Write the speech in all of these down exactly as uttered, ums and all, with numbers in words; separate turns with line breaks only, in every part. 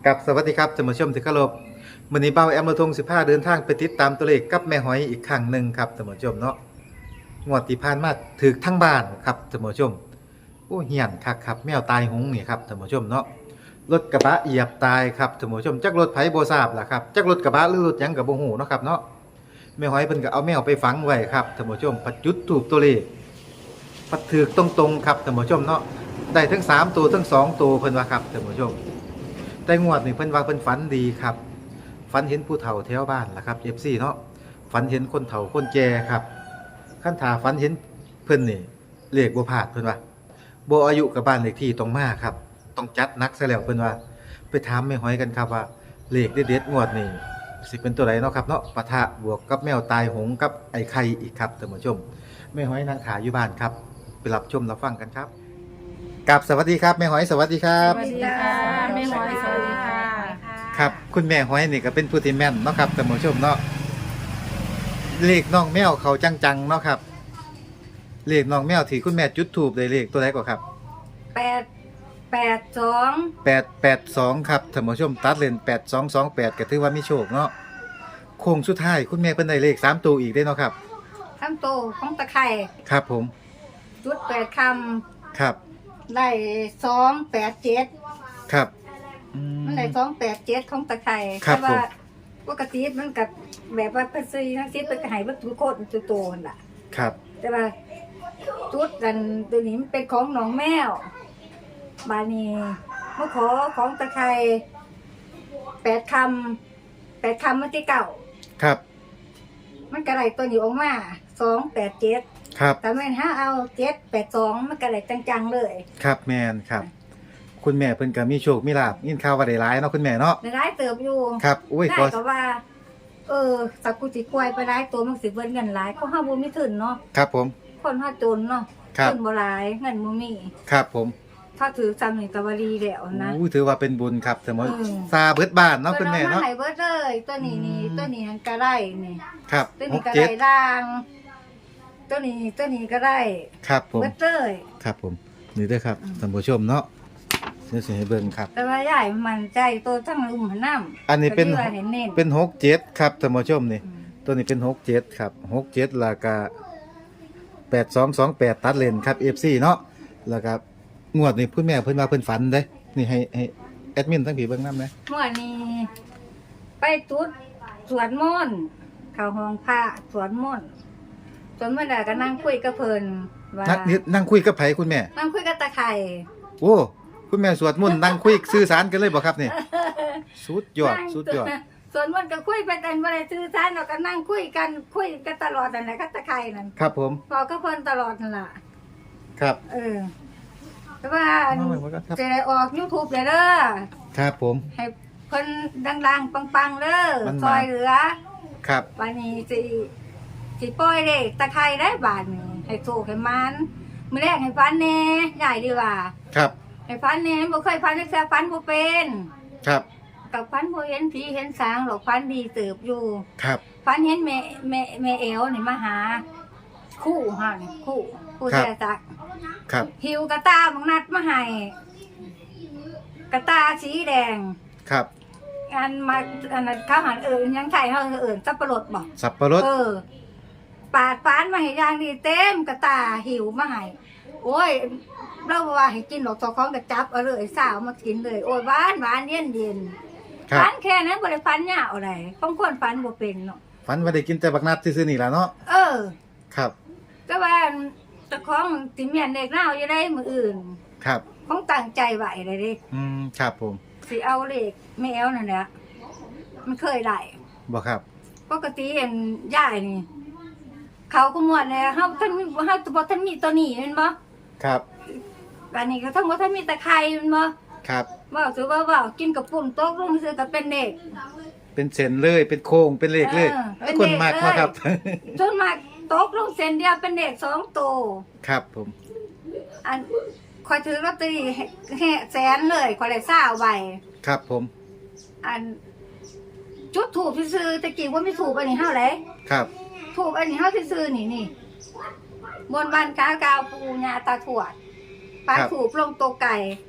กับสวัสดีครับท่านผู้ชมที่เคารพมื้อนี้เป้าแอมระทงสิบห้าเดินทางไปติดตามตัวเลขกับแม่หอยอีกครั้งหนึ่งครับท่านผู้ชมเนาะงวดที่ผ่านมาถูกทั้งบ้านครับท่านผู้ชมโอ้เหี้ยนคักครับแมวตายหงนี่ครับท่านผู้ชมเนาะรถกระบะเหยียบตายครับท่านผู้ชมจักรถไผบ่ทราบล่ะครับจักรถกระบะหรือรถหยังก็บ่ฮู้เนาะครับเนาะแม่หอยเพิ่นก็เอาแมวไปฝังไว้ครับท่านผู้ชมปัดจุดถูกตัวเลขปัดถูกตรงๆครับท่านผู้ชมเนาะได้ทั้งสามตัวทั้งสองตัวเพิ่นว่าครับท่านผู้ชม แต่งวดนี่เพิ่นว่าเพิ่นฝันดีครับฝันเห็นผู้เฒ่าแถวบ้านล่ะครับ เอฟ ซี เนาะฝันเห็นคนเฒ่าคนแก่ครับคันถ้าฝันเห็นเพิ่นนี่เลขบ่พลาดเพิ่นว่าบ่อายุกับบ้านเลขที่ต้องมาครับต้องจัดหนักซะแล้วเพิ่นว่าไปถามแม่หอยกันครับว่าเลขเด็ดๆงวดนี้สิเป็นตัวใดเนาะครับเนาะปะทะบวกกับแมวตายหงกับไอ้ไข่อีกครับท่านผู้ชมแม่หอยนั่งถ่ายอยู่บ้านครับไปรับชมรับฟังกันครับกับสวัสดีครับแม่หอยสวัสดีครั
ส
บ
วัสดีค่ะแม่หมอยสวัสดีค่ะ
ครับคุณแม่หอยนี่ก็เป็นผู้ที่แม่นเนาะครับท่านผู้ชมเนาะเลขน้องแมวเขาจังๆเนาะครับเลขน้องแมวที่คุณแม่จุดธูปได้เลขตัวไหนกว่าครับ
แปดแปดสอง
แปด แปด สองครับท่านผู้ชมตัดเลนแปด สอง สอง แปดก็ถือว่ามีโชคเนาะโค้งสุดท้ายคุณแม่เพิ่นได้เลขสามตัวอีกได้เนาะครับ
ทั้งโตของตะไคร่
ครับผม
จุดแปดค
ครับ
ำได้สองแปดเจ็ด
ครับอืม
มันได้สองแปดเจ็ดของตะไคร่
ครับ
แต่ว่า
ผม
ปกติมันกับแบบว่าเป็นซีทั้งซีเป็นกระหายวัตถุโคตรตัวโตนล่ะ
ครับ
แต่ว่าจุดกันตัวนี้มันเป็นของหนองแมวบานีมาขอของตะไคร่แปดคำแปดคำมันที่เก่า
ครับ
มันกระไรตัวนี้ออกมาสองแปดเจ็ด
ครับ
แต่แม่นถ้าเอาเจ็ดแปดสองมันกระไรจังๆเลย
ครับแม่นครับ คุณแม่เพิ่นก็มีโชคมีลาภยินข่าวว่าได้หลายเนาะคุณแม่เนาะ
ในร้ายเติบอยู่
ครับอุ้ย
ได้
ขอ
ก็ว่า เออสักกุจิกวยไปร้ายตัวมันสิเบิ้นเงินหลายเพราะห้าบุญไม่ถึงเนาะ
ครับผม
คนห้าจนเนาะ
ครับ
นบ่หลายเงินบ่มี
ครับผม
ถ้าถือจำหนึ่งตะวารีแล้วนะ
อู้ถือว่าเป็นบุญครับสมมติ
อืม
ซาเบิดบ้านเนาะคุณแม่
พิ่อ
เนาะ
ให้เบิดเลยตัวนี้นี่
อืม
ตัวนี้หันกระไรนี่
ครับ
ตัว
ห
นี้
ก
กระ
เจ็
ไร
ด
ด่าง ตัวนี้ตัวนี้กระไร
ครับผม
เบิดเลย
ครับผมนี่เด้วยครับ
อืม
ท่านผู้ชมเนาะเดี๋ยวสิให้เบิ่งครับ
แต่ว่าใหญ่มันใจตัวทั้งลุ่มหันน้ำ
อันนี้เป็น
ก็ที่ว่าเห็นเน้น
เป็นหกเจ็ดครับท่านผู้ชมนี่
อืม
ตัวนี้เป็นหกเจ็ดครับหกเจ็ดแล้วก็แปดสองสองแปดตัดเลนครับเอฟซีเนาะแล้วก็งวดนี่คุณแม่เพิ่นว่าเพิ่นฝันเด้นี่ให้ให้แอดมินทั้งผีเบิ่งนำนะ
เมื่อนี้ไปจุดสวดมนต์เข้าห้องพระสวดมนต์จนเมื่อใดก็นั่งคุยกับเพิ่นว่า
นั่งนี่นั่งคุยกับไผคุณแม่
นั่งคุยกับตาไข่
โอ้คุณแม่สวดมนต์นั่งคุยสื่อสารกันเลยบ่ครับนี่สุดยอดสุดยอด
สวดมนต์ก็คุยไปกันบ่ได้สื่อสารเราก็นั่งคุยกันคุยกันตลอดนั่นแหละกับตาไข่นั่น
ครับผม
พอกับเพิ่นตลอดนั่นล่ะ
ครับ
เออแต่ว่า
มาไว้บ่ครับ
จะได้ออก YouTube เลยเด้อ
ครับผม
ให้เพิ่นดังๆปังๆเด้อ
มันมา
ซอยเหลือ
ครับ
วันนี้สิสิปล่อยเด็กตะไคร้ได้บาทนี่ให้โชคให้มันมื้อแรกให้ฟันแหน่ใหญ่ดีว่า
ครับ
ให้ฟันแหน่บ่เคยฟันจักเทื่อฟันบ่เป็น
ครับ
กับฟันบ่เห็นผีเห็นสางหรอกฟันดีเติบอยู่
ครับ
ฟันเห็นแม่แม่แม่เอวนี่มาหา คู่เฮานี่คู่คู่
ครับ
แท้จัก
ครับ
หิวกระตาบังนัดมาให้กระตาสีแดง
ครับ
อันมาอันนั้นเขาหันเอิญยังไข่เขาเอิญสับปะรดบอก
สับปะรด
เออปาดฟานมาให้ยางดีเต็มกระตาหิวมาให้โอ้ยเราบอกว่าให้กินหลอกตอของกระจับเอาเลยสาวมากินเลย โอ้ยหวานหวานเย็นเย็น
ครับ
ฟันแค่นั้นบริฟันยาวอะไรบางคนฟันบ่เป็นเนาะ
ฝันว่าได้กินแต่บักนัดซื่อๆนี่ล่ะเนาะ
เออ
ครับ
ก็ว่าเจ้าของติเมียนเด็กเล่าอยู่ได้มืออื่น
ครับ
คงตั้งใจไหวเลยดิ
อืมครับผม
สิเอาเลขไม่เอานั่นแหละมันเคยได้
บ่ครับ
ปกติเห็นย่ายนี่ เขาก็มวนเลยเฮาท่านมีเฮาบ่ท่านมีตัวนี้แม่นบ่
ครับ
อันนี้ก็ทั้งบ่ท่านมีตะไคร้แม่นบ่
ครับ
เว้าถือว่าเว้ากินกับปุ่นตกลงซื่อก็เป็นเด็ก
เป็นเส้นเลยเป็นโค้งเป็นเลขเลย
เออเป็น
คน
เลข
มาก
เลย
มาครับ
จนมากตกลงเส้นเดียวเป็นเด็กสองโตว
ครับผม
อันคอยถือลอตเตอรี่แห่แสนเลยคอยได้20ใบ
ครับผม
อัน จุดถูกซื่อๆตะกี้ว่าไม่ถูกอันนี้เฮาแหละ
ครับ
ถูกอันนี้เฮาซื่อๆนี่นี่บนบ้านกากาวปูญาตาถวดปลาถูกลงโตวไก่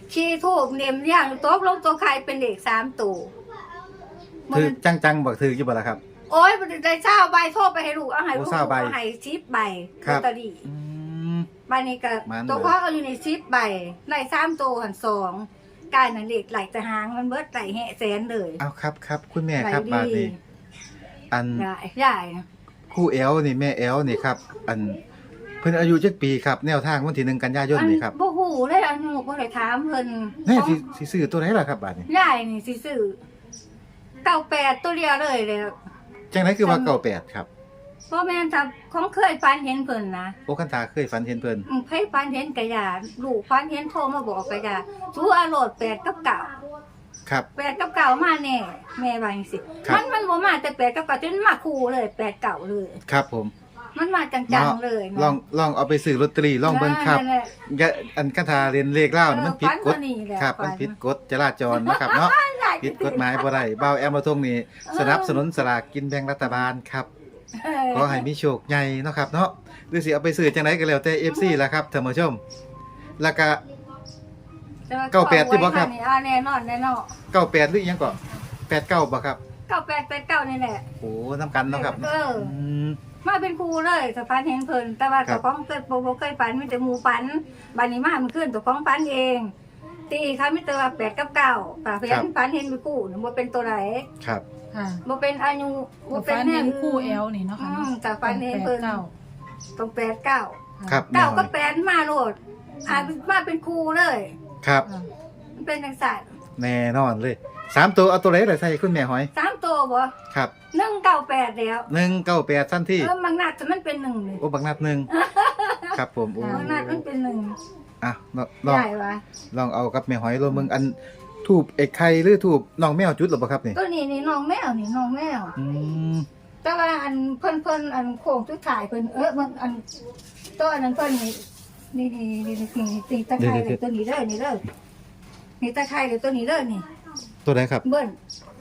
ขี้ทูบเนมย่างโต๊ะลงตัวใครเป็นเด็กสามตัว
ถือจังๆบอกถืออยู่บ่ล่ะครับ
โอ้ยมันได้เช้าใบโทษไปให้ลูกเอาให้ลูก
โอ้เช้าใบ
เอาให้ชิปใบ
ครับ
ลอตเตอรี่
อืม
ใบนี้ก็
มัน
ตัว
เลย
ข้อเอาอยู่ในชิปใบในสามตัวหันสองกายนั่นเด็กไหลจะหางมันเบิดไหลแห่แสนเลย
เอาครับครับคุณแม่
ไหล
ครับ
ดี
บาดนี้อัน
ใหญ่ใหญ่นะ
ครูแอลนี่แม่แอลนี่ครับ อันเพิ่นอายุจักปีครับ แนวทางวันที่หนึ่งกันยายนนี่ครับ
บ่ฮู้เลยอันหนูบ่ได้ถามเพิ่น
แม่สิสิซื้อตัวไหนล่ะครับบาดนี้
ใหญ่นี่สิซื้อเก้าแปดตัวเดียวเลยเลย
จังไดคือว่าเก้าแปดครับ
เพราะแม่นถ้าของเคยฝันเห็นเพิ่นนะ
โอ้คันตาเคยฝันเห็นเพิ่น
อืมเคยฝันเห็นกะยาลูกฝันเห็นโทรมาบอกกะยาชูอารมณ์แปดกับเก้า
ครับ
แปดกับเก้ามาแน่แม่ว่าจังซี่
ครับ
มันมันบ่มาแต่แปดกับเก้าจนมาคู่เลยแปดเก้าเลย
ครับผม
มันมาจังๆเลย
ลองลองเอาไปซื้อลอตเตอรี่ลองเบิ่งครับ
นั่นแหละ
อย่าอันคันตาเรียนเลขเล่านี่มันผิดกฎ
เออฝันตัวนี้แหละ
ครับ
ฝัน
มันผิดกฎจราจรนะครับเนาะ
ใหญ่
ผิดกฎหมายบ่ได้เบาแอมมาทงนี่สนับสนุนสลากกินแบ่งรัฐบาลครับ
เออ
ขอให้มีโชคใหญ่เนาะครับเนาะหรือสิเอาไปซื้อจังไดก็แล้วแต่ เอฟ ซี ล่ะครับท่านผู้ชม แล้วก็
แต่ว่
เก้าแปดที่บ่ครับ
ขอไว้นี่อ่าแน่นอนแน่นอน
เก้าแปดหรืออิหยังก็แปดเก้าบ่ครับ
เก้าแปดแปดเก้านี่แหละ
โอ้นำกันเนาะครับ
เออ
ม
มาเป็นครูเลยสะพานเห็นเพิ่นแต่ว่า
ครับ
เจ้าของเคยบ่บ่เคยฝันมีแต่หมู่ฝันบัดนี้มามันขึ้นเจ้าของฝันเอง ตีค่ะมีแต่ว่าแปดกับเก้าป่าเพิ่นฝันเห็นมีกู้นี่บ่เป็นตัวไหน
ครับ
ค่ะ
บ่เป็นอายุบ่
บ่
เป็
เป็น น
แน
เห็
วน
คู่แอลนี่เนาะ
อื
ค่ะ
มแต่ฝันเห็นเพิ่น
เก้า
ต้องแปดเก้า
ครับ
เก้าก็
แม่
แปดมาโลดอ่ามาเป็นครูเลย
ครับ
มันเป็นจังซั่น
แน่นอนเลยสามตัวเอาตัวไหนล่ะใส่คุณแม่หอย
สามตัวบ่
ครับ
หนึ่งเก้าแปดแล้ว
หนึ่งเก้าแปดทันที
เออมันน่าจะมันเป็นหนึ่งเลย
โอ้บักนัดหนึ่งครับผมโอ้
มันน่ามันเป็นหนึ่ง
อ่ะลองลอง
ใหญ่วะ
ลองเอากับแม่หอยลงมึงอันทูบไอ้ไข่หรือทูบน้องแมวจุดหรือเปล่าครับนี่
ก็นี่นี่น้องแมวนี่น้องแมว
อืม
แต่ว่าอันเพิ่นเพิ่นอันโค้งสุดท้ายเพิ่นเออมันอันตัวอันนั้นเพิ่นนี่นี่นี่นี่นี่นี่ตีตะไคร้เลยตัวนี้เด้อนี่เด้อนี่ตะไคร้เลยตัวนี้เด้อนี่
ตัวไหนครับ
เบิ้น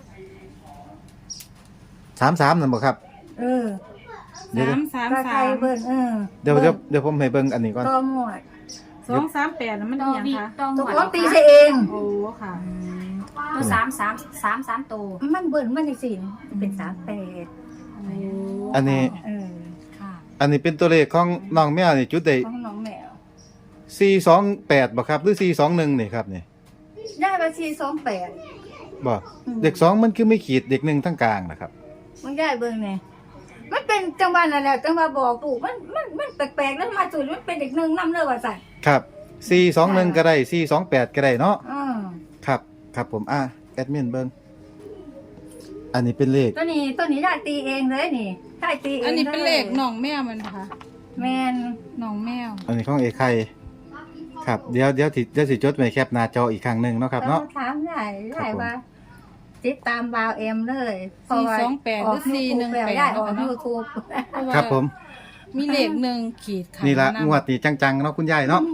สามสามนั่นบ่ครับ
เออ
เดี๋ยว
สามสาม
ตะไค
สา
ร้
ม
เบิ้นเออ
เดี๋ยวเดี๋ยวเดี๋ยวผมให้เบิ่งอันนี้ก่อน
ตัวหมวด
สองสามแปดน่ะมันอีหยังคะ
ตัวของตีใส่เอง
โอ้ค่ะ
ตัวสามสามสามสามตัว
มันเบิ้นมันจังซี่เป็นสามแปด
โอ้
อันนี้
เออ
ค่ะ
อันนี้เป็นตัวเลขของน้องแมวนี่จุดได้
ของน้องแมว
สี่สองแปดบ่ครับหรือสี่สองหนึ่งนี่ครับนี่
ได้มาสี่สองแปด
บ่
อืม
เด็กสองมันคือไม่ขีดเด็กหนึ่งทั้งกลางนะครับ
มันได้เบิ้งไงมันเป็นจังหวะนั่นแหละจังหวะบอกถูกมันมันมันแปลกๆแล้วมาสุดมันเป็นเด็กหนึ่งนำเลยว่าสั่น
ครับสี่สองหนึ่งก็ได้สี่สองแปดก็ได้เนาะ
อืม
ครับครับผมอ่ะแอดมินเบิ่งอันนี้เป็นเลข
ตัวนี้ตัวนี้ได้ตีเองเลยนี่ได้ตีเอง
อันนี้เป็นเลขน้องแมวมันนะคะ
แมน
น้องแมว
อันนี้ของเอกไข่ครับเดี๋ยวเดี๋ยวสิเดี๋ยวสิจดไว้แคปหน้าจออีกครั้งหนึ่งเนาะครับเนาะ
ถามได้ได้
ครับผม
ว่าติดตามบาวเอ็มเลยเพราะ
สี่
ว่า
สองแปดหรือสี่หนึ่งแปด
ได้ออก
เนาะ
ยูทูบ
เพราะว่า
ครับผม
มีเลขหนึ่งขีดค่ะ
นี่ละ
ำ
งวดนี้จังๆเนาะคุณยายเนาะ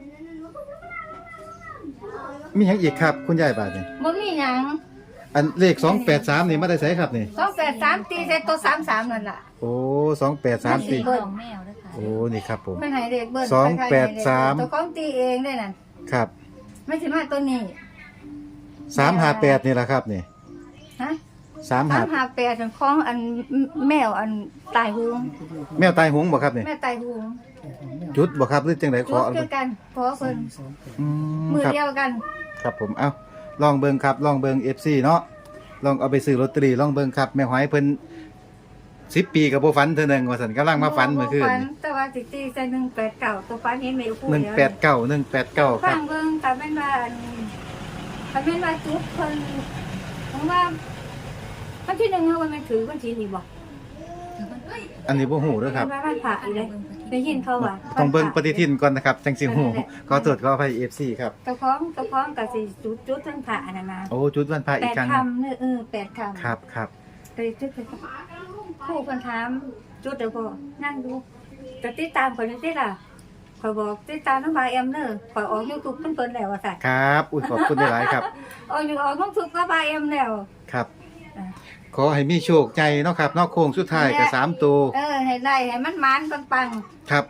มีหยังอีกครับคุณยายบาดนี่
มันมีหยัง
อันเลขสองแปดสามนี่มาได้ไสครับนี่
สองแปดสามตีใส่ตัวสามสามนั่นล่ะ
โอ้สองแปดสามสี่
เบิ้ล
ของแมวด้วยค่ะ
โอ้นี่ครับผม
เป็นไหนเด็กเบิ้ล
สองแปดสาม
ตัวของตีเองได้นั่น
ครับ
ไม่ใช่มาตัวนี้
สามห้าแปดนี่แหละครับนี่
ฮะ
สาม
สา
ห้าม
หาแปดของอันแมวอันตายหู
แมวตายหงบ่ครับนี่
แม่ตายหู
จุดบ่ครับหรือจังไดข
จุ
อ
ด
เอา
เดียวกันขอเพิ่น
อืม
มือ
ครับ
เดียวกัน
ครับผมเอ้าลองเบิ่งครับลองเบิ่ง เอฟ ซี เนาะลองเอาไปซื้อลอตเตอรี่ลองเบิ่งครับแม่หอยเพิ่นสิบปีก็บ่ฝันเทื่อหนึงว่าซั่นกำลังมาฝันเมื่อคืน
ฝั
นี่
แต่ว่าสิตีใส่หนึ่งแปดเก้าตัวฝันเห็นแมวคู่
หนึ่งแปดเก้าหนึ่งแปดเก้าค
ฟั
รับ
งเบิ่งถ้าแม่นว่าอันถ้าแม่นว่าจุดเพิ่นผมว่าวันที่หนึ่งเฮาว่าแม่นถือวันที่นี้บ่
อันนี้บ่ฮู้เด้อครับ
ว่าวันพระอีเลยได้ยินเขาว่า
ต้องเบิ่งป
วันพระ
ฏิทินก่อนนะครับจังสิฮู้ขอตรวจขออภัย เอฟ ซี ครับ
เจ้าของเจ้าของก็สิจุดจุดวันพระอันนั้นนะ
โอ้จุดวันพระ
แป
อีก
ด
ครั้ง
คำเนี่ยเออแปดคำ
ครับครับ
ไปจุดไปผู้คนถามจุดเดี๋ยวพอนั่งดูจะติดตามคนนี้ติล่ะขอยบอกติดตามน้องบายเอ็มเนอร์ขอยออกยูทูบเพิ่นเพิ่นแล้วว่าสั่น
ครับอุ้ยขอบคุณหลายๆครับ
ออกอยู่ออกน้องทุกน้องบายเอ็มแล้ว
ครับ
อ่ะ
ขอให้มีโชคใจเนาะครับเนอกโค้งสุดท้ายก็สามตัว
เออให้ได้ให้มันหมานปัง
ครับ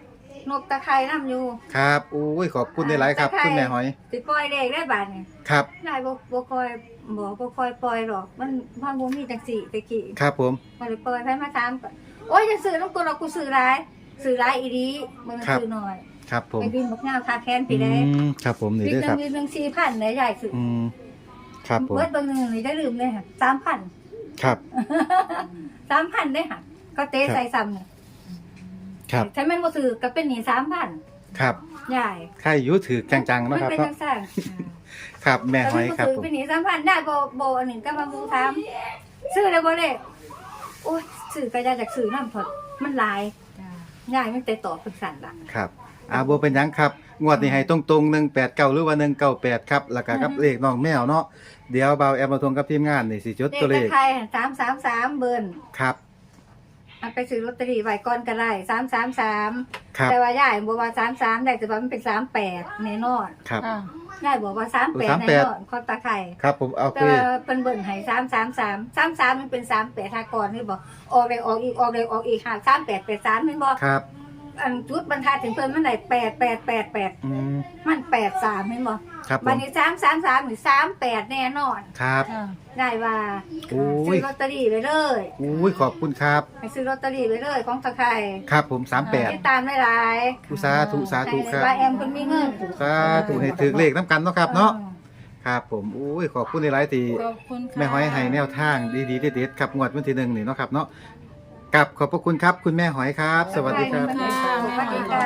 นกตะไคร่น้ำอยู่
ครับโอ้ยขอบคุณหลายๆครับ
ตะไคร้
คุณแม่หอย
สิปล่อยเด็กได้บาดนี่
ครับ
นายบ่บ่คอยบ่บ่คอยปล่อยหรอก มันมันบ่มีจังซี่ตะกี้
ครับผม
บ่ได้ปล่อยไผมาถามก็โอ้ยจะซื้อน้ำกูหรอกกูซื้อหลายซื้อหลายอีหลีบ่ได้ซื้อน้อย
ครับผม
ไอ้บินบักงาวคาแค้น
อื
พี่ได้
มครับผมนี่
บิน
เด้อ
หนึ
ครับ
งบินหนึงสี่พันได้ใหญ่สุด
อืมครับผม
เบิดเบิ่งหนึงนี่ได้ลืมเลยค่ะสามพัน
ครับ
สามพันได้ค่ะก็เตะใส่ซ้ำนี่
ครับ
ถ้าแม่นบ่ซื้อก็เป็นหนี้สามพัน
ครับ
ใหญ่
ใครอยู่ถือจังๆเนาะครับ
มันเป็น
เนาะ
จังซั่น
ครับแม่หอยครับ
ซื้อ
ผม
เป็นหนี้สามพันได้บ่บ่อันหนึงก็มาบูถามซื้อได้บ่เลยโอ้ยซื้อก็ได้จากซื้อนำพอดมันหลาย
จ้า
ใหญ่มันแต่ต่อเป็นสั่นล่ะ
ครับอาบ่เป็นหยังครับงวดนี้ให้ตรงๆหนึ่งแปดเก้าหรือว่าหนึ่งเก้าแปดครับแล้วก็กับเลขน้องแมวเนาะเดี๋ยวเบาแอมมาทงกับทีมงานนี่สิจด
เล
ตัวเล
ข
ข
ไทยสามสามสามเบิ้ล
ครับ
เอาไปซื้อลอตเตอรี่ไว้ก่อนก็ได้สามสามสาม
ครับ
แต่ว่าย่ายบอกว่าสามสามได้แต่ว่ามันเป็นสามแปดแน่นอน
ครับ
ค่ะ
ย่ายบอกว่าสามแปด
สาม
แน่
แปด
นอนคอตาไข่
ครับผมเอา
แต่
ไป
ว่าเป็นเบิ้ลให้สามสามสามสามสามมันเป็นสามแปดทากรนี่บอกออกเลยออกอีกออกเลยออกอีกหาสามแปดแปดสามมันบอก
ครับ
อันจุดบรรทัดถึงเพิ่นมันไหนแปดแปดแปดแปด
อืม
มันแปดสามมันบอก
ครับผ
บัน
ม
นี้สามสามสามหรือสามแปดแน่นอน
ครับ
ค่ะ
ได้ว่า
โอ้
ซื้
ย
อลอตเตอรี่ไปเลย
โอ้ยขอบคุณครับ
ให้ซื้อลอตเตอรี่ไปเลยของตะไคร่
ครับผมสามแปด
ติดตามได้หลาย
อุสาธุสาธุครับ
ป้าแอมคนมีเงิน
สาธุให้ถือเลขน้ำกันเนาะครับเนาะครับผมโอ้ยขอบคุณหลายๆที่
ขอบคุณค่ะ
แม่หอยให้แนวทางดีๆเด็ดๆครับงวดวันที่หนึ่งนี่เนาะครับเนาะกับขอบพระคุณครับคุณแม่หอยครับ สวัสดีครับ
สวัสดีค่ะ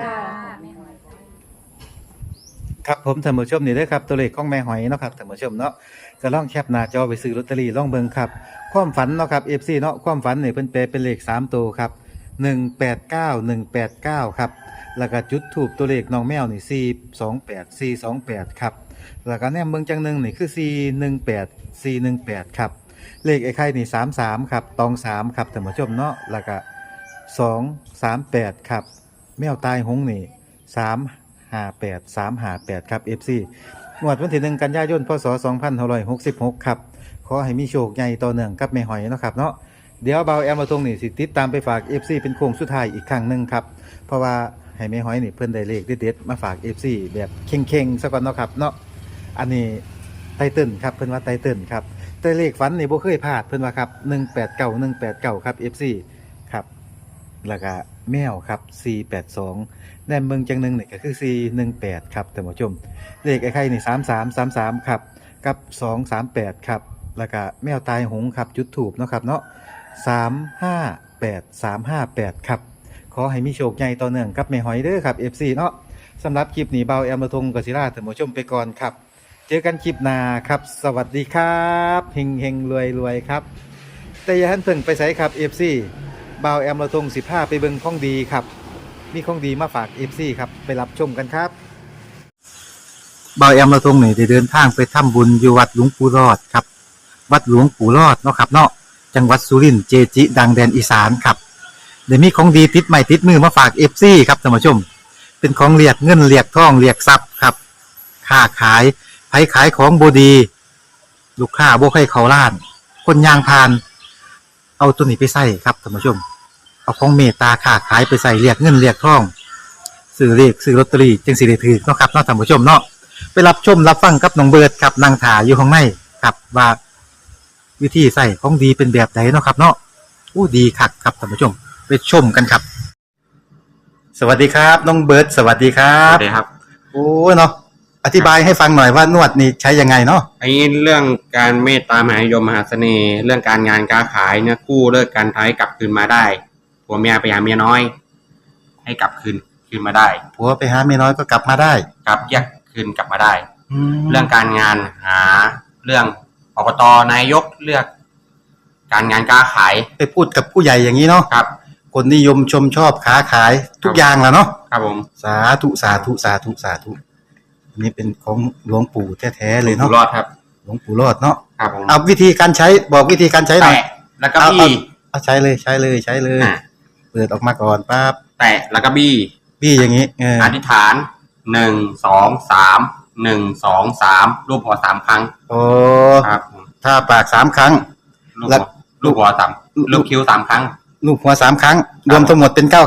ครับผมท่านผู้ชมนี่เด้อครับตัวเลขของแม่หอยเนาะครับท่านผู้ชมเนาะก็ลองแคปหน้าจอไปซื้อลอตเตอรี่ลองเบิ่งครับความฝันเนาะครับ เอฟ ซี เนาะความฝันนี่เพิ่นแปลเป็นเลขสามตัวครับหนึ่งแปดเก้า หนึ่งแปดเก้าครับแล้วก็จุดทูปตัวเลขน้องแมวนี่สี่ สอง แปด สี่ สอง แปดครับแล้วก็แนมเบิ่งจังหนึงนี่คือสี่ หนึ่ง แปด สี่ หนึ่ง แปดครับเลขไอ้ไข่นี่สามสามครับตองสามครับท่านผู้ชมเนาะแล้วก็สอง สาม แปดครับแมวตายหงนี่สาม ห้าแปด สาม ห้าแปดครับ เอฟ ซี งวดวันที่หนึ่งกันยายนพศสองพันห้าร้อยหกสิบหกครับขอให้มีโชคใหญ่ต่อเนื่องกับแม่หอยเนาะครับเนาะเดี๋ยวเบาแอมมาตรงนี่สิติดตามไปฝาก เอฟ ซี เป็นโค้งสุดท้ายอีกครั้งหนึ่งครับเพราะว่าให้แม่หอยนี่เพิ่นได้เลขเด็ดๆมาฝาก เอฟ ซี แบบเข่งๆซะก่อนเนาะครับเนาะอันนี้ไตเติ้ลครับเพิ่นว่าไตเติ้ลครับแต่เลขฝันนี่บ่เคยพลาดเพิ่นว่าครับหนึ่งแปดเก้า หนึ่งแปดเก้าครับ เอฟ ซี ครับแล้วก็แมวครับสี่แปดสองแนมเมืองจังหนึงนี่ก็คือสี่หนึ่งแปดครับท่านผู้ชมเลขไอ้ไข่นี่สามสามสามสามครับกับสองสามแปดครับแล้วก็แมวตายหงครับจุดถูกเนาะครับเนาะสามห้าแปดสามห้าแปดครับขอให้มีโชคใหญ่ต่อเนื่องกับแม่หอยเด้อครับ เอฟ ซี เนาะสำหรับคลิปนี้เบาแอมระทงกศิราท่านผู้ชมไปก่อนครับเจอกันคลิปหน้าครับสวัสดีครับเฮงเฮงรวยรวยครับแต่อย่าหันเพิ่งไปใส่ครับ เอฟ ซี บ่าวแอมเราทงสิบห้าไปเบิ่งของดีครับมีของดีมาฝาก เอฟ ซี ครับไปรับชมกันครับบ่าวแอมเราทงนี่ได้เดินทางไปทำบุญอยู่วัดหลวงปู่รอดครับวัดหลวงปู่รอดเนาะครับเนาะจังหวัดสุรินทร์เจจิ ดังแดนอีสานครับเดี๋ยวมีของดีติดใหม่ติดมือมาฝาก เอฟ ซี ครับท่านผู้ชมเป็นของเรียกเงินเรียกทองเรียกทรัพย์ครับค้าขายไผขายของบ่ดี ลูกค้าบ่ให้เขาล้าน คนยางพาน เอาตัวนี้ไปใส่ครับท่านผู้ชมเอาของเมตตาค้าขายไปใส่เรียกเงินเรียกทองซื้อเลขซื้อลอตเตอรี่จึงสิได้ถือเนาะครับเนาะท่านผู้ชมเนาะไปรับชมรับฟังกับน้องเบิร์ดครับนางถาอยู่ข้างในครับว่าวิธีใส่ของดีเป็นแบบไหนเนาะครับเนาะอู้ดีคักครับท่านผู้ชมไปชมกันครับ สวัสดีครับน้องเบิร์ดสวัสดีครั
ครับ บสวัสดีครับ
โอ้เนาะอธิบายให้ฟังหน่อยว่านวดนี่ใช้ยังไงเนาะ
ไอ้เรื่องการเมตตามหานิยมมหาเสน่ห์ เรื่องการงานการขายเนี่ยกู้เลิกการท้ายกลับคืนมาได้ผัวเมียไปหาเมียน้อย ให้กลับคืนคืนมาได้
ผัวไปหาเมียน้อยก็กลับมาได้
กลับแยกคืนกลับมาได้
แล้
เรื่
ว
องการงานหาเรื่องอบตนายกเลือก การงานการขาย
ไปพูดกับผู้ใหญ่อย่างนี้เนาะ
ครับ
คนนิยมชมชอบค้าขายทุกอย่างแหละเนาะ
ครับผม
สาธุสาธุสาธุสาธุอันนี้เป็นของหลวงปู่แท้ๆเลย
อ
เนาะ
ยู่รอดครับ
หลวงปู่รอดเนาะ
ครับผม
เอาวิธีการใช้บอกวิธีการใช้หน่อย
แตะแล้วก็
เอา
บี้
เอาใช้เลยใช้เลยใช้เลย
อ่ะ
เปิดออกมาก่อนปั๊บ
แตะแล้วก็บี้
พี่อย่างนี้เออ
อธิษฐานหนึ่งสองสามหนึ่งสองสามรูปหัวสามครั้ง
โอ้
ครับผม
ถ้าปากสามครั้ง
ลูก
แล้
หั
ว
วลูกหัวสามลูกคิ้วสามครั้ง
ลูกหัวสามครั้ง รวมทั้งหมดเป็นเก้าครั้ง
ค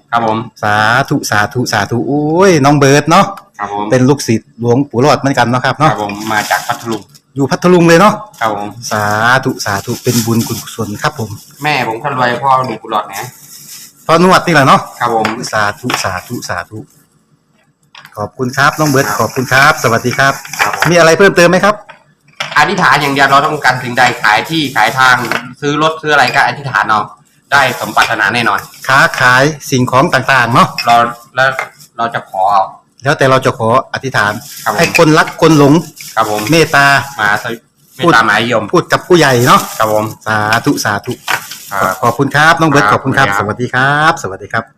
ครับผม
สาธุสาธุสาธุโอ้ยน้องเบิร์ดเนาะ
ครับผม
เป็นลูกศิษย์หลวงปู่รอดเหมือนกันเนาะครับ
ครั
เนาะ
บผมมาจากพัทลุง
อยู่พัทลุงเลยเนาะ
ครับผม
สาธุสาธุเป็นบุญกุศลครับผม
แม่ผมคนรวยพ่อมีกุหลาบนะ
พอนวดนี่แหละเนาะ
ครับผม
สาธุสาธุสาธุขอบคุณครับน้องเบิร์ดขอบคุณครับ สวัสดีครับ
ครับผม
มีอะไรเพิ่มเติมไหมครับ
อธิษฐานอย่างเดียวเราต้องการสิ่งใดขายที่ขายทางซื้อรถซื้ออะไรก็อธิษฐานเอาได้สมปรารถนาแน่นอน
ค้าขายสิ่งของต่างๆเนาะ
เราแล้วเราจะขอเอา
แล้วแต่เราจะขออธิษฐาน
ครับผม
ให้คนรักคนหลง
ครับผม
เมตตา
มาสวิไม่ตามหมายยม
พูดกับผู้ใหญ่เนาะ
ครับผม
สาธุสาธุ
ครับ
ขอบคุณครับน้องเบิร์ต
ค
ข
รับ
อบคุณครับ
ขอบ
ส
คุณครับ
วัสดีครับ สวัสดีครับ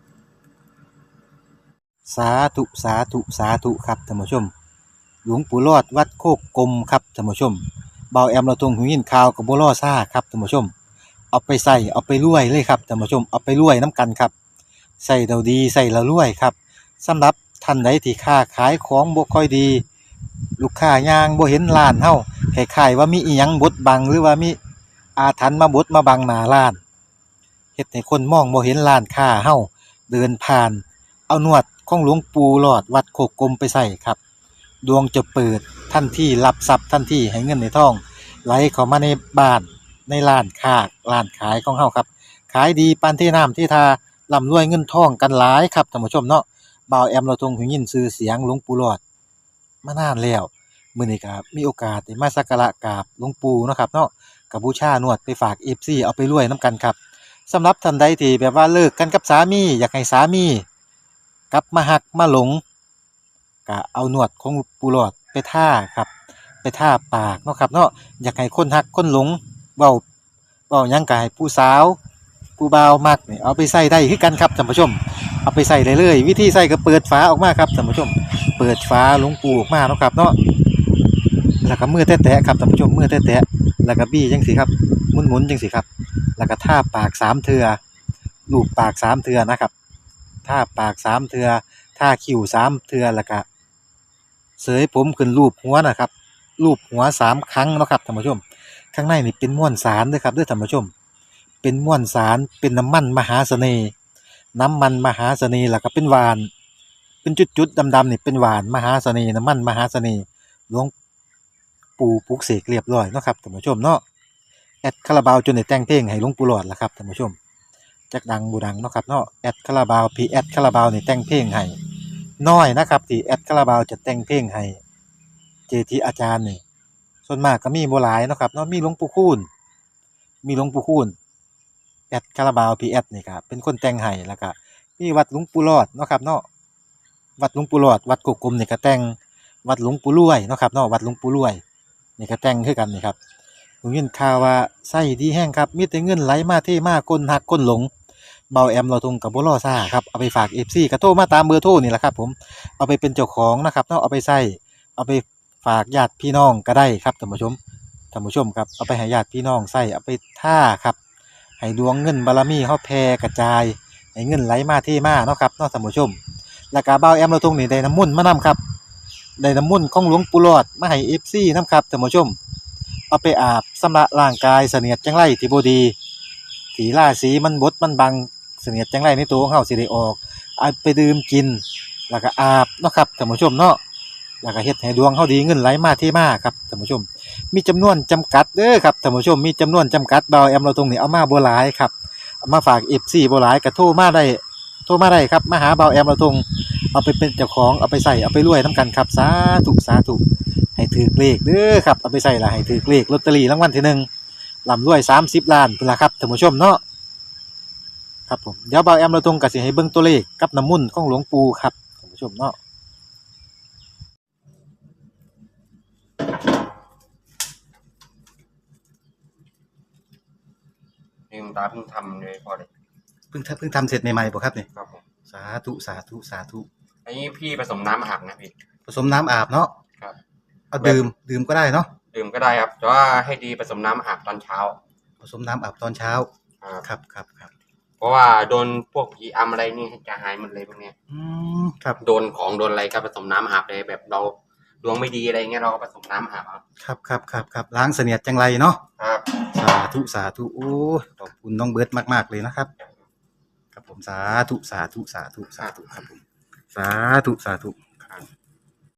สาธุสาธุสาธุครับท่านผู้ชม หลวงปู่รอดวัดโคกกลมครับท่านผู้ชมเบาแอมเราทรงหูยินข่าวกับบัวล่อซ่าครับท่านผู้ชม เอาไปใส่เอาไปรวยเลยครับท่านผู้ชมเอาไปรวยน้ำกันครับใส่เราดีใส่เรารวยครับสำหรับท่านใดที่ค้าขายของบ่ค่อยดี ลูกค้ายางบ่เห็นร้านเฮาคล้ายๆว่ามีอีหยังบดบังหรือว่ามีอาถรรพ์มาบดมาบังหน้าร้านเฮ็ดให้คนมองบ่เห็นร้านค้าเฮาเดินผ่าน เอานวดของหลวงปู่หลอดวัดโคกกลมไปใส่ครับดวงจะเปิดทันทีรับทรัพย์ทันทีให้เงินในท้องไหลเข้ามาในบ้านในร้านค้าร้านขายของเฮาครับขายดีปานที่น้ำที่ทาร่ำรวยเงินทองกันหลายครับท่านผู้ชมเนาะบ่าวแอมเราทรงหูยินชื่อเสียงหลวงปู่หลอดมานานแล้วมื้อนี้ก็มีโอกาสได้มาสักการะกราบหลวงปู่เนาะครับเนาะก็บูชานวดไปฝาก เอฟ ซี เอาไปรวยนํกันครับสำหรับท่านใดที่แบบว่าเลิกกันกับสามีอยากให้สามีกลับมาหักมาหลงก็เอานวดของปู่หลอดไปท่าครับไปท่าปากเนาะครับเนาะอยากให้คนหักคนหลงเว้าเว้าหยังก็ให้ผู้สาวผู้บ่าวมักนี่เอาไปใส่ได้คือกันครับท่านผู้ชมเอาไปใส่ได้เลยวิธีใส่ก็เปิดฝาออกมาครับท่านผู้ชมเปิดฝาหลวงปู่ออกมาเนาะครับเนาะแล้วก็มือแตะๆครับท่านผู้ชมมือแตะๆแล้วก็บี้จังซี่ครับหมุนๆจังซี่ครับแล้วก็ท่าปากสามเทื่อลูบปากสามเทื่อนะครับท่าปากสามเทื่อท่าคิ้วสามเทื่อแล้วก็เสยผมขึ้นรูปหัวนะครับรูปหัวสามครั้งเนาะครับท่านผู้ชมข้างในนี่เป็นม้วนสารเด้อครับเด้อท่านผู้ชมเป็นม้วนสารเป็นน้ำมันมหาเสน่ห์น้ำมันมหาเสน่ห์แล้วก็เป็นหวานเป็นจุดๆดำๆนี่เป็นหวานมหาเสน่ห์น้ำมันมหาเสน่ห์หลวงปู่ปลุกเสกเรียบร้อยเนาะครับท่านผู้ชมเนาะแอดคาราบาวจนได้แต่งเพลงให้หลวงปู่หลอดล่ะครับท่านผู้ชมจักดังบ่ดังเนาะครับเนาะแอดคาราบาวพีแอดคาราบาวนี่แต่งเพลงให้น้อยนะครับที่แอดคาราบาวจะแต่งเพลงให้เจทีอาจารย์นี่ส่วนมากก็มีบ่หลายเนาะครับเนาะมีหลวงปู่คูณมีหลวงปู่คูณแอดคาราบาวพีแอดนี่ครับเป็นคนแต่งให้แล้วก็มีวัดหลวงปู่หลอดเนาะครับเนาะวัดหลวงปู่หลอดวัดกกกลมนี่ก็แต่งวัดหลวงปู่รวยเนาะครับเนาะวัดหลวงปู่รวยนี่ก็แต่งคือกันนี่ครับผมยินข่าวว่าไส้ดีแห้งครับมีแต่เงินไหลมาเทมาคนหักคนหลงเบาแอมเราทงกับบ่รอซ่าครับเอาไปฝาก เอฟ ซี ก็โทรมาตามเบอร์โทรนี่แหละครับผมเอาไปเป็นเจ้าของนะครับเนาะเอาไปใส่เอาไปฝากญาติพี่น้องก็ได้ครับท่านผู้ชมท่านผู้ชมครับเอาไปให้ญาติพี่น้องใส่เอาไปท่าครับให้ดวงเงินบารมีเฮาแผ่กระจายให้เงินไหลมาเทมาเนาะครับเนาะท่านผู้ชมแล้วก็เบาแอมเราทงนี่ได้น้ำมนต์มานํครับได้น้ำมนต์ของหลวงปู่หลอดมาให้ เอฟ ซี นํครับท่านผู้ชมเอาไปอาบชำระร่างกายเสนียดจังไรที่บ่ดีที่ราศีมันบดมันบังเสนียดจังไรในตัวของเฮาสิได้ออกเอาไปดื่มกินแล้วก็อาบเนาะครับท่านผู้ชมเนาะแล้วก็เฮ็ดให้ดวงเฮาดีเงินไหลมาเทมาครับท่านผู้ชมมีจำนวนจำกัดเด้อครับท่านผู้ชมมีจำนวนจำกัดเบาแอมเราตรงนี้เอามาบ่หลายครับเอามาฝาก เอฟ ซี บ่หลายก็โทรมาได้โทรมาได้ครับมาหาเบาแอมเราตรงเอาไปเป็นเจ้าของเอาไปใส่เอาไปรวยนํกันครับสาธุสาธุให้ถือเลขเด้อครับเอาไปใส่ละให้ถือเลขลอตเตอรี่รางวัลที่หนึ่งร่ำรวยสามสิบล้านพุ่นล่ะครับท่านผู้ชมเนาะครับผมเดี๋ยวเบาแอมเราตรงก็สิให้เบิ่งตัวเลขกับน้ำมนต์ของหลวงปู่ครับท่านผู้ชมเนาะ
นี่คุณตาเพิ่งทำเลยพอเลย
เพิ่งทำเพิ่งทำเสร็จใหม่ๆบ่ครับนี่
ครับผม
สาธุสาธุสาธุ
อันนี้พี่ผสมน้ำอาบนะพี่
ผสมน้ำอาบเนาะ
ครับ
เอาดื่มดื่มก็ได้เนาะ
ดื่มก็ได้ครับแต่ว่าให้ดีผสมน้ำอาบตอนเช้า
ผสมน้ำอาบตอนเช้า
ครับ
ครับครับครับ
เพราะว่าโดนพวกผีอำอะไรนี่จะหายหมดเลยพวกเนี้ย
อืมครับ
โดนของโดนอะไรก็ผสมน้ำอาบเลยแบบเราดวงไม่ดีอะไรเงี้ยเราก็ผสมน้ำอาบเอา
ครับครับครับครับล้างเสนียดจังไรเนาะ
ครับ
สาธุสาธุโอ้ขอบคุณน้องเบิร์ตมากๆเลยนะครับครับผมสาธุสาธุสาธุสาธุครับผมสาธุสาธุ
ครับ